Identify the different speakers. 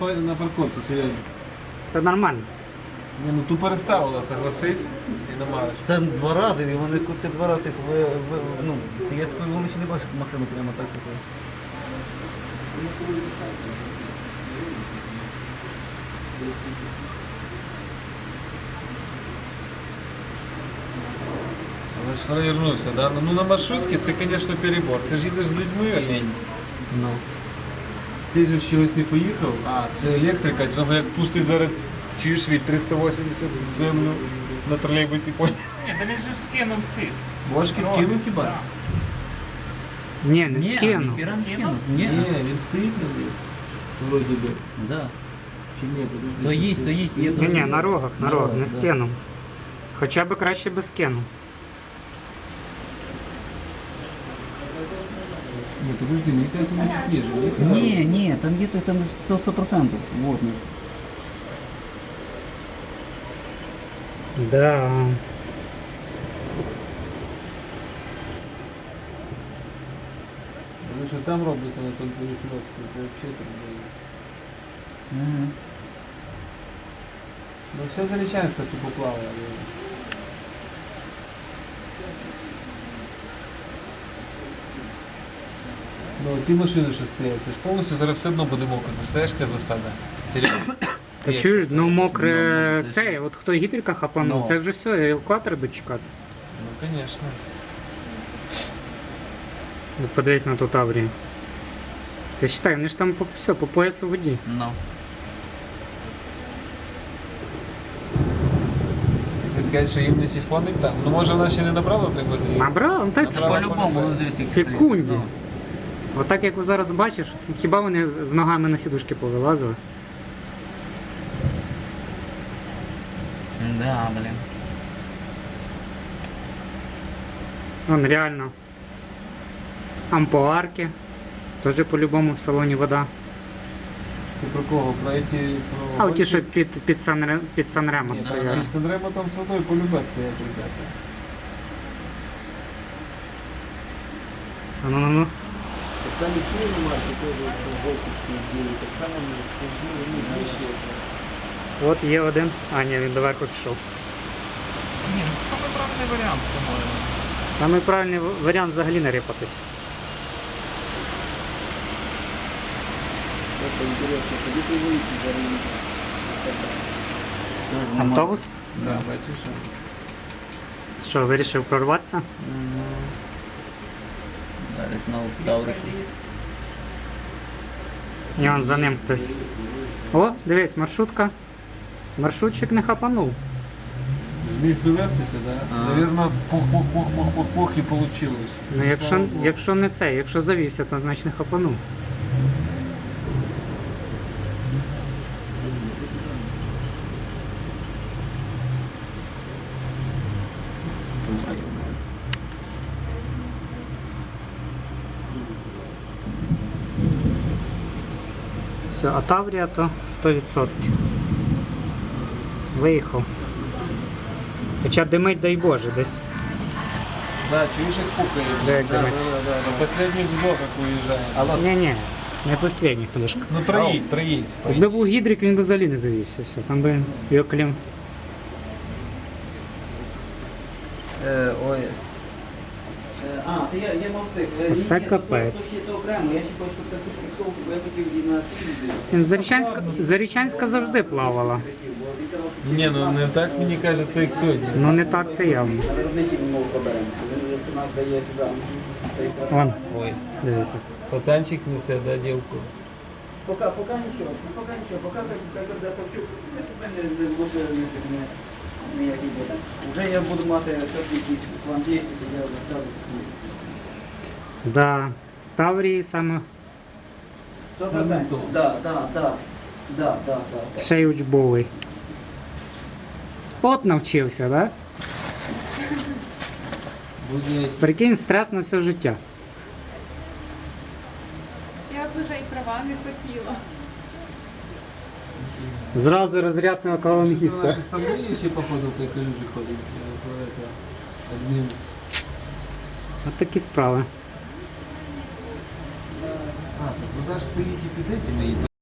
Speaker 1: На парковці, серйозно.
Speaker 2: Все нормально.
Speaker 1: Ні, ну ту переставила, согласись, і намариш.
Speaker 3: Там два рази, і вони ці два рази, ну, я такої вони ще не бачив машину прямо так.
Speaker 1: Але ж провернувся, да? Ну на маршрутці це, звісно, перебор. Ти ж їдеш з людьми, олень.
Speaker 3: Ну.
Speaker 1: Цей же чогось не поїхав, а це електрика, цього як пустий зараз, чуєш від 380 в землю на тролейбусі поняв.
Speaker 4: Ні, та він же ж скинув ці.
Speaker 1: Бошки скинув хіба?
Speaker 2: Ні, не скинув.
Speaker 3: ніхіра не скинув.
Speaker 1: Ні, він стоїть на них. Вроді би.
Speaker 3: Да.
Speaker 1: Чи ні, подожди.
Speaker 3: Стоїть, є
Speaker 2: Ні, ні, на рогах, не
Speaker 3: да.
Speaker 2: скинув. Хоча б краще би скинув.
Speaker 1: Ні, подожди, мені кажется, він чуть ніже.
Speaker 3: Ні, там є це, там 100%. Вот, ні.
Speaker 2: Да.
Speaker 1: Тому що там робиться на тому перехльостку, це взагалі там буде. Ну все Зарічанська типу плаває. Ну ті машини, що стоять, це ж повністю зараз все одно буде мокро. Представляєш, яка засада? Серйозно.
Speaker 2: Та чуєш, ну мокре це, от хто гідрика хапанув,
Speaker 1: Ну.
Speaker 2: це вже все, евакуатор буде чекати.
Speaker 1: Ну, звісно.
Speaker 2: От подивись на ту Таврію. Це считай, вони ж там все, по поясу в воді.
Speaker 3: Ну.
Speaker 1: Ви скажете, що їм не сифонить там? Ну може вона ще не набрала той води?
Speaker 2: Набрав, ну так
Speaker 1: Набрала.
Speaker 2: що?
Speaker 3: По-любому, ну, дивись,
Speaker 2: В
Speaker 3: як
Speaker 2: секунді.
Speaker 3: стоїть.
Speaker 2: Отак як ви зараз бачиш, хіба вони з ногами на сідушки повилазили?
Speaker 3: Ну. Да, блін.
Speaker 2: Вон реально. Ампуарки. Теж по-любому в салоні вода.
Speaker 1: Ти про кого? Про ті... Про...
Speaker 2: А оті, що під Санремо
Speaker 1: Ні,
Speaker 2: стоять.
Speaker 1: під Санремо там з водою по-любе стоять, ребята.
Speaker 2: Ну.
Speaker 1: Там і ціни марки теж жовточки білі, так само вищі.
Speaker 2: От є один. А, ні, він доверху пішов.
Speaker 4: Ні, ну це саме правильний варіант, по-моєму.
Speaker 2: Самий правильний варіант взагалі не рипатись.
Speaker 1: Це інтересно, тоді ти вийти зараз.
Speaker 2: Автобус?
Speaker 1: Да, бачиш, що?
Speaker 2: Що, вирішив прорватися?
Speaker 3: Зараз знову вдали.
Speaker 2: І он за ним хтось. О, дивись, маршрутка. Маршрутчик не хапанув.
Speaker 1: Зміг завестися, да? Навірно, пух-пух-пух-пух-пух і получилось.
Speaker 2: Ну якщо не це, якщо завівся, то значить не хапанув. Все, а Таврія то 100%. Виїхав. Хоча димить, дай Боже, десь.
Speaker 1: Да, чуєш, як пухає?
Speaker 2: Да, як
Speaker 1: да,
Speaker 2: димить.
Speaker 1: На последніх вдохах уїжджає.
Speaker 2: Ні-ні, не последній хвилюшка.
Speaker 1: Ну троїть.
Speaker 2: Якби був гідрик, він би взагалі не завівся. Все. Там би його клім.
Speaker 3: Ой. Я мав цих.
Speaker 2: Оце капець.
Speaker 3: То окремо, я ще хочу, щоб ти прийшов, бо я хотів і на
Speaker 2: Зарічанська завжди плавала.
Speaker 1: Ні, ну не так мені кажеться, як сьогодні.
Speaker 2: Ну не так це явно. Вон,
Speaker 3: Ой.
Speaker 2: дивіться.
Speaker 1: Пацанчик несе, да, дівку.
Speaker 3: Пока нічого, пока когда Савчук, щоб не може ніякий буде. Вже я буду мати щось якісь план дій, то я розставлю.
Speaker 2: Да. Таврії саме
Speaker 3: 100%. Да.
Speaker 2: ще й учбовий. От навчився, да?
Speaker 1: Буде
Speaker 2: Прикинь, стрес на все життя.
Speaker 5: Я б вже і права не хотіла.
Speaker 2: Зразу розряд на
Speaker 1: Що
Speaker 2: колонгіста.
Speaker 1: наші стамбулі ще походу в той калюжі ходить. Адмін.
Speaker 2: От такі справи.
Speaker 1: А, так вода ж стоїть і під этими, і